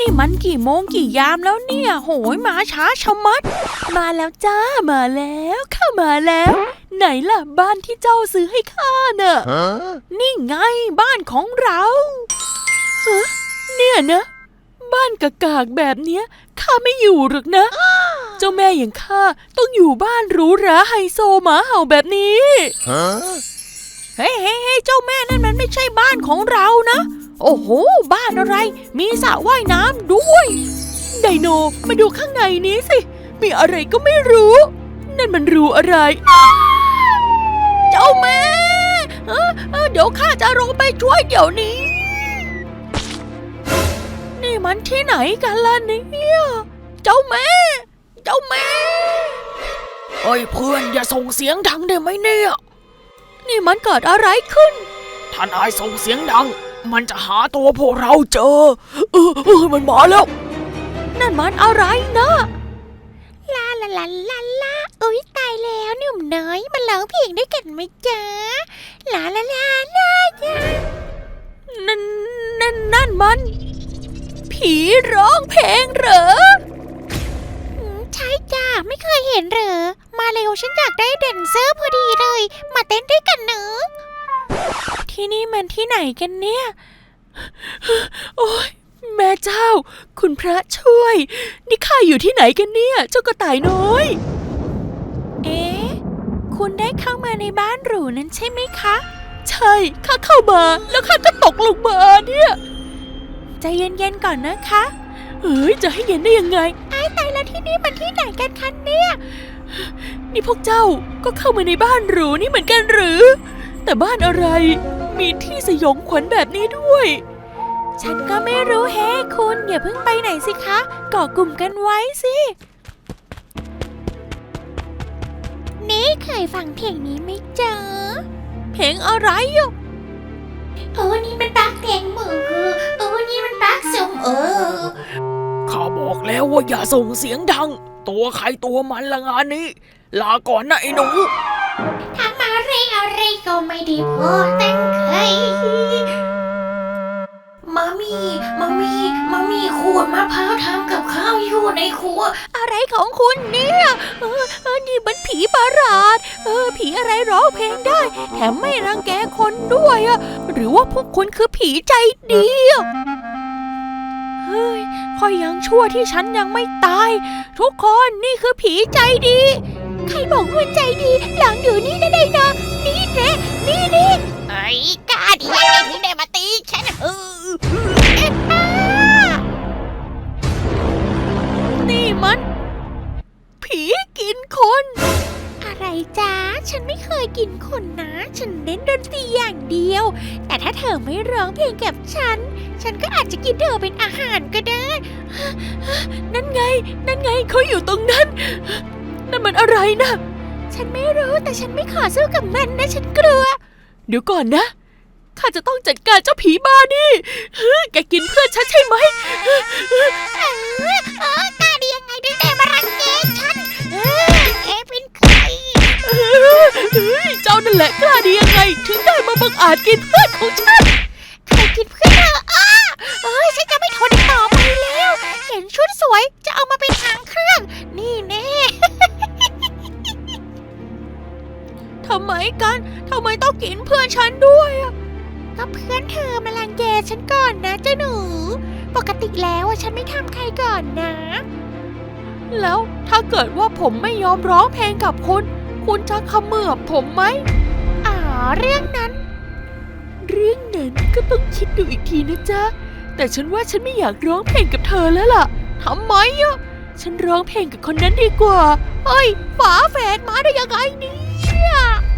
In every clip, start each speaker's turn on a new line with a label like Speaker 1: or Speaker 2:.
Speaker 1: มันกี่โมงกี่ยามแล้วเนี่ยโหยมาช้าชะมัดมาแล้วจ้ามาแล้วข้ามาแล้วไหนล่ะบ้านที่เจ้าซื้อให้ข้าน่ะนี่ไงบ้านของเราฮะเนี่ยนะบ้านกากๆแบบเนี้ยข้าไม่อยู่หรอกนะเจ้าแม่อย่างข้าต้องอยู่บ้านหรูหราไฮโซหมาเห่าแบบนี้เฮ้ยเจ้าแม่นั่นมันไม่ใช่บ้านของเรานะโอ้โหบ้านอะไรมีสระว่ายน้ำด้วยไดโนมาดูข้างในนี้สิมีอะไรก็ไม่รู้นั่นมันรูอะไรเจ้าแม่เดี๋ยวข้าจะลงไปช่วยเดี๋ยวนี้นี่มันที่ไหนกันล่ะเนี่ยเจ้าแม่เฮ้ยเพื่อนอย่าส่งเสียงดังได้ไหมเนี่ยนี่มันเกิดอะไรขึ้นท่านนายส่งเสียงดังมันจะหาตัวพวกเราเจอมันมาแล้วนั่นมันอะไรนะ
Speaker 2: ลาอุ๊ยตายแล้วหนุ่มน้อยมาร้องเพลงด้วยกันไหมจ๊ะลาจ้า
Speaker 1: นั่นมันผีร้องเพลงเหรอ
Speaker 2: ใช่จ้าไม่เคยเห็นเหรอมาเร็วฉันอยากได้แดนเซอร์พอดีเลยมาเต้นด้วยกันเนอะ
Speaker 1: ที่นี่มันที่ไหนกันเนี่ยโอ๊ยแม่เจ้าคุณพระช่วยนี่ข้าอยู่ที่ไหนกันเนี่ยเจ้ากระต่ายน้อยคุณได้เข้ามาในบ้านหรูนั้นใช่ไหมคะใช่ข้าเข้ามาแล้วข้าก็ตกลงมาเนี่ยใจเย็นๆก่อนนะคะจะให้เย็นได้ยังไง
Speaker 2: ตายแล้วที่นี่มันที่ไหนกันคะเนี่ย
Speaker 1: นี่พวกเจ้าก็เข้ามาในบ้านหรูนี่เหมือนกันหรือแต่บ้านอะไรมีที่สยองขวัญแบบนี้ด้วยฉันก็ไม่รู้แฮะคุณอย่าเพิ่งไปไหนสิคะก่อกลุ่มกันไว้สิ
Speaker 2: นี่เคยฟังเพลงนี้ไหมจ๊ะ
Speaker 1: เพลงอะไรอ่ะ
Speaker 2: นี่มันปักเพลงมือนี่มันปักสุ่ม
Speaker 1: ข้าบอกแล้วว่าอย่าส่งเสียงดังตัวใครตัวมันละงานนี้ลาก่อนนะไอ้หนู
Speaker 2: ทำอะไรก็ไม่ได้พอตั้งใจมามีขูดมะพร้าวทำกับข้าวอยู่ในครัว
Speaker 1: อะไรของคุณเนี่ยนี่มันผีประหลาดผีอะไรร้องเพลงได้แถมไม่รังแกคนด้วยหรือว่าพวกคุณคือผีใจดีเฮ้ยคอยยังชั่วที่ฉันยังไม่ตายทุกคนนี่คือผีใจดี
Speaker 2: ใครบอกว่าใจดีหลังอยู่นี่ได้นะนี่แน่นี่ไอ้กาดียังไงถึงได้มาตีฉัน
Speaker 1: นี่มันผีกินคน
Speaker 2: อะไรจ๊ะฉันไม่เคยกินคนนะฉันเน้นดนตรีอย่างเดียวแต่ถ้าเธอไม่ร้องเพลงกับฉันก็อาจจะกินเธอเป็นอาหารก็ได้
Speaker 1: นั่นไงเขาอยู่ตรงนั้นนั่นมันอะไรนะ
Speaker 2: ฉันไม่รู้แต่ฉันไม่ขอสู้กับมันนะฉันกลัว
Speaker 1: เดี๋ยวก่อนนะข้าจะต้องจัดการเจ้าผีบ้านี่แกกินเพื่อนฉันใช่ไหม
Speaker 2: กล้าดียังไงถึงได้มารังแกฉันเป็นใคร
Speaker 1: เจ้านั่นแหละกล้าดียังไงถึงได้มาบังอาจกินเพื่อนของฉัน
Speaker 2: ใครกินเพื่อนเธอฉันจะไม่ทนต่อไปแล้วเห็นชุดสวยจะเอามาเป็นหางเครื่องนี่แน่
Speaker 1: ทำไมต้องกินเพื่อนฉันด้วย
Speaker 2: ก็เพื่อนเธอมารังแกฉันก่อนนะเจ้าหนูปกติแล้วฉันไม่ทำใครก่อนนะ
Speaker 1: แล้วถ้าเกิดว่าผมไม่ยอมร้องเพลงกับคุณจะเขมือบผมไหม
Speaker 2: เรื่องนั้น
Speaker 1: ก็ต้องคิดดูอีกทีนะจ๊ะแต่ฉันว่าฉันไม่อยากร้องเพลงกับเธอแล้วล่ะทำไมฉันร้องเพลงกับคนนั้นดีกว่าเฮ้ยฝาแฝดมาได้ยังไงเนี่ย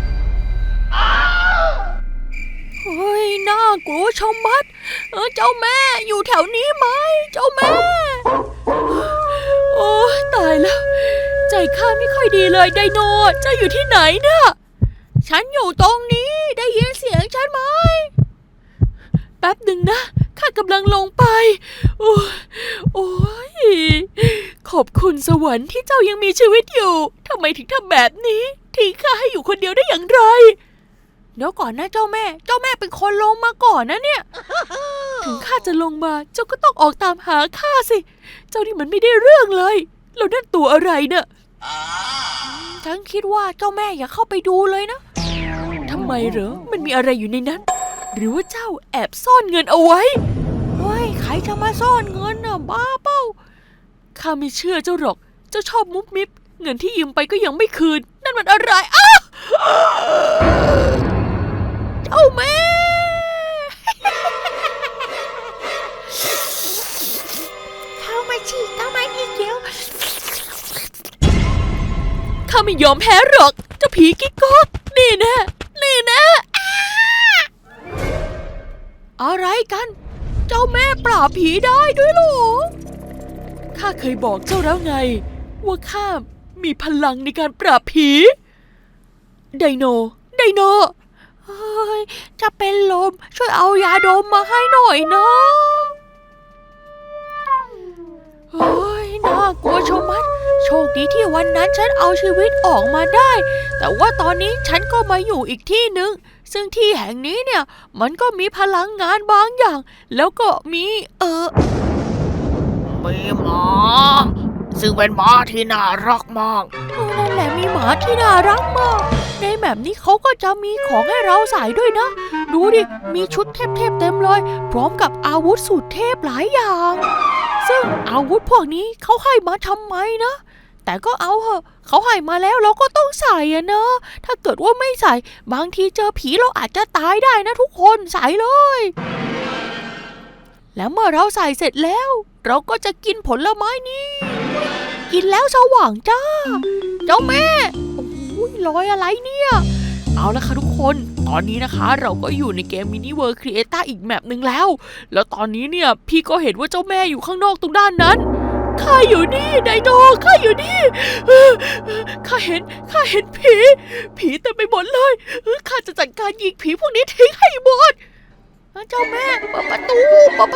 Speaker 1: เฮ้ยน่ากลัวชะมัดเจ้าแม่อยู่แถวนี้ไหมเจ้าแม่โอ้ตายแล้วใจข้าไม่ค่อยดีเลยไดโนเจ้าอยู่ที่ไหนเนี่ยฉันอยู่ตรงนี้ได้ยินเสียงฉันไหมแป๊บหนึ่งนะข้ากำลังลงไปโอ้ยขอบคุณสวรรค์ที่เจ้ายังมีชีวิตอยู่ทำไมถึงทำแบบนี้ทิ้งข้าให้อยู่คนเดียวได้อย่างไรเดี๋ยวก่อนนะเจ้าแม่เป็นคนลงมาก่อนนะเนี่ย ถึงข้าจะลงมาเจ้าก็ต้องออกตามหาข้าสิเจ้านี่มันไม่ได้เรื่องเลยแล้วนั่นตัวอะไรเนี่ยฉันคิดว่าเจ้าแม่อย่าเข้าไปดูเลยนะทำไมเหรอมันมีอะไรอยู่ในนั้นหรือว่าเจ้าแอบซ่อนเงินเอาไว้เฮ้ยใครจะมาซ่อนเงินน่ะบ้าเป้าข้าไม่เชื่อเจ้าหรอกเจ้าชอบมุบมิบเงินที่ยืมไปก็ยังไม่คืนนั่นมันอะไรอ้าเจ้าแม่
Speaker 2: เข้ามาฉีกเข้ามาอีกเดี๋ยว
Speaker 1: ข้าไม่ยอมแพ้หรอกเจ้าผีกิ๊กก๊อกนี่นะอะไรกันเจ้าแม่ปราบผีได้ด้วยเหรอข้าเคยบอกเจ้าแล้วไงว่าข้ามีพลังในการปราบผีไดโนเฮ้ยจะเป็นลมช่วยเอายาดมมาให้หน่อยนะเฮ้ยน่ากลัวชะมัดโชคดีที่วันนั้นฉันเอาชีวิตออกมาได้แต่ว่าตอนนี้ฉันก็มาอยู่อีกที่หนึ่งซึ่งที่แห่งนี้เนี่ยมันก็มีพลังงานบางอย่างแล้วก็มี
Speaker 3: หมาซึ่งเป็นหมาที่น่ารักมาก
Speaker 1: นั่นแหละมีหมาที่น่ารักมากในแบบนี้เขาก็จะมีของให้เราใส่ด้วยนะดูดิมีชุดเทพๆเต็มเลยพร้อมกับอาวุธสุดเทพหลายอย่างซึ่งอาวุธพวกนี้เขาให้มาทำไมนะแต่ก็เอาเหอะเขาให้มาแล้วเราก็ต้องใส่อะเนอะถ้าเกิดว่าไม่ใส่บางทีเจอผีเราอาจจะตายได้นะทุกคนใส่เลยแล้วเมื่อเราใส่เสร็จแล้วเราก็จะกินผลไม้นี้กินแล้วสว่างจ้าเจ้าแม่โอ้ยลอยอะไรเนี่ยเอาละค่ะทุกคนตอนนี้นะคะเราก็อยู่ในเกม Mini World Creator อีกแมปหนึ่งแล้วตอนนี้เนี่ยพี่ก็เห็นว่าเจ้าแม่อยู่ข้างนอกตรงด้านนั้นข้าอยู่นี่ไดโนข้าอยู่นี่ข้าเห็นผีเต็มไปหมดเลยข้าจะจัดการยิงผีพวกนี้ทิ้งให้หมดเจ้าแม่เปิดประตู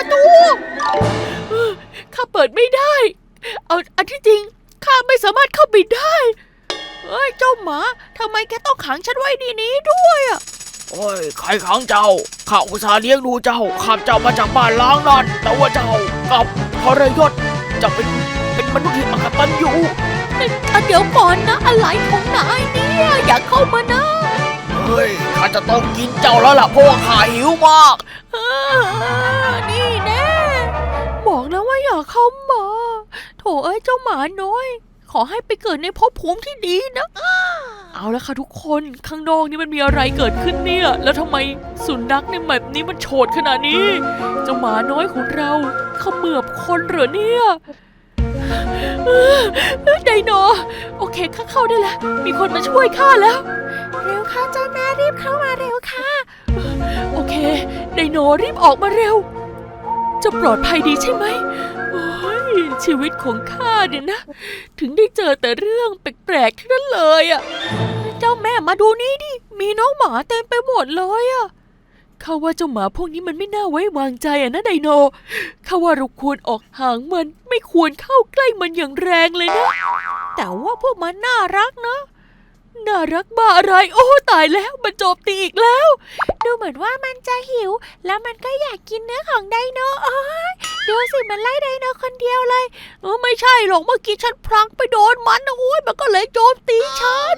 Speaker 1: ข้าเปิดไม่ได้อันที่จริงข้าไม่สามารถเข้าไปได้เฮ้ยเจ้าหมาทำไมแกต้องขังฉันไว้ในนี้ด้วยอ่ะ
Speaker 3: โอ้ยใครขังเจ้าข้าอุตส่าห์เลี้ยงดูเจ้าข้าเจ้ามาจากบ้านล้างนั่นแต่ว่าเจ้ากับทรยศจะเป็นมนุษย์ที่อกตัญญู
Speaker 1: เดี๋ยวก่อนนะอะไรของนายเนี่ยอย่าเข้ามานะ
Speaker 3: เฮ้ยข้าจะต้องกินเจ้าแล้วล่ะเพราะว่าข้าหิวมาก
Speaker 1: นี่แน่บอกแล้วว่าอย่าเข้ามาโถเอ้ยเจ้าหมาน้อยขอให้ไปเกิดในภพภูมิที่ดีนะเอาละค่ะทุกคนข้างนอกนี่มันมีอะไรเกิดขึ้นเนี่ยแล้วทำไมสุนัขในแบบนี้มันโฉดขนาดนี้เจ้าหมาน้อยของเราเขมือบคนเหรอเนี่ยไดโนโอเคข้าเข้าได้แล้วมีคนมาช่วยข้าแล้ว
Speaker 2: เร็วค่ะเจ้าแม่รีบเข้ามาเร็วค่ะ
Speaker 1: โอเคไดโนรีบออกมาเร็วจะปลอดภัยดีใช่ไหมโอ้ยชีวิตของข้าเนี่ยนะถึงได้เจอแต่เรื่องแปลกๆทั้งนั้นเลยอ่ะเจ้าแม่มาดูนี่ดิมีน้องหมาเต็มไปหมดเลยอ่ะข้าว่าเจ้าหมาพวกนี้มันไม่น่าไว้วางใจอ่ะนะไดโนข้าว่าเราควรออกห่างมันไม่ควรเข้าใกล้มันอย่างแรงเลยนะแต่ว่าพวกมันน่ารักนะน่ารักบ้าอะไรโอ้ตายแล้วมันโจมตีอีกแล้ว
Speaker 2: ดูเหมือนว่ามันจะหิวแล้วมันก็อยากกินเนื้อของไดโนดูสิมันไล่ไดโนคนเดียวเลย
Speaker 1: ไม่ใช่หรอกเมื่อกี้ฉันพลั้งไปโดนมันนะโอ้ยมันก็เลยโจมตีฉัน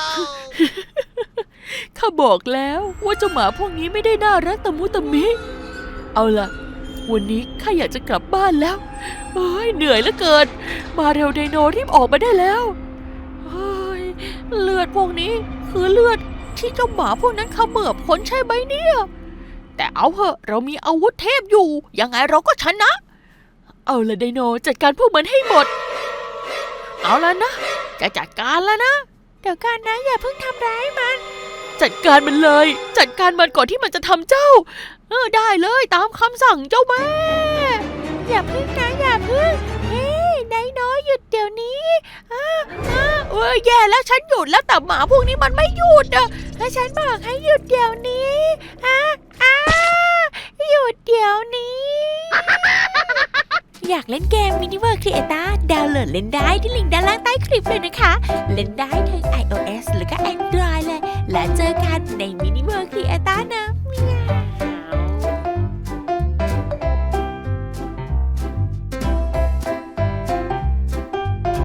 Speaker 1: ข้าบอกแล้วว่าเจ้าหมาพวกนี้ไม่ได้น่ารักตะมุตะมิเอาล่ะวันนี้ข้าอยากจะกลับบ้านแล้วเหนื่อยเหลือเกินมาเร็วไดโนรีบออกมาได้แล้วเลือดพวกนี้คือเลือดที่เจ้าหมาพวกนั้นเขมือบคนใช่ไหมเนี่ยแต่เอาเหอะเรามีอาวุธเทพอยู่ยังไงเราก็ชนะเอาละไดโนจัดการพวกมันให้หมดเอาละนะจะจัดการแล้วนะ
Speaker 2: เดี๋ยวกันนะอย่าเพิ่งทำร้ายมัน
Speaker 1: จัดการมันเลยจัดการมันก่อนที่มันจะทำเจ้าได้เลยตามคำสั่งเจ้าแม่
Speaker 2: อย่าพึ่งนะอย่าพึ่งไดโนหยุดเดี๋ยวนี้
Speaker 1: แย่แล้วฉันหยุดแล้วแต่หมาพวกนี้มันไม่หยุด
Speaker 2: ถ้าฉันบอกให้หยุดเดี๋ยวนี้หยุดเดี๋ยวนี้อยากเล่นเกม Mini World Creator ดาวน์โหลดเล่นได้ที่ลิงก์ด้านล่างใต้คลิปเลยนะคะเล่นได้ทั้ง iOS แล้วก็ Android เลยและเจอกันในมินิเวิร์คครีเอต้านะ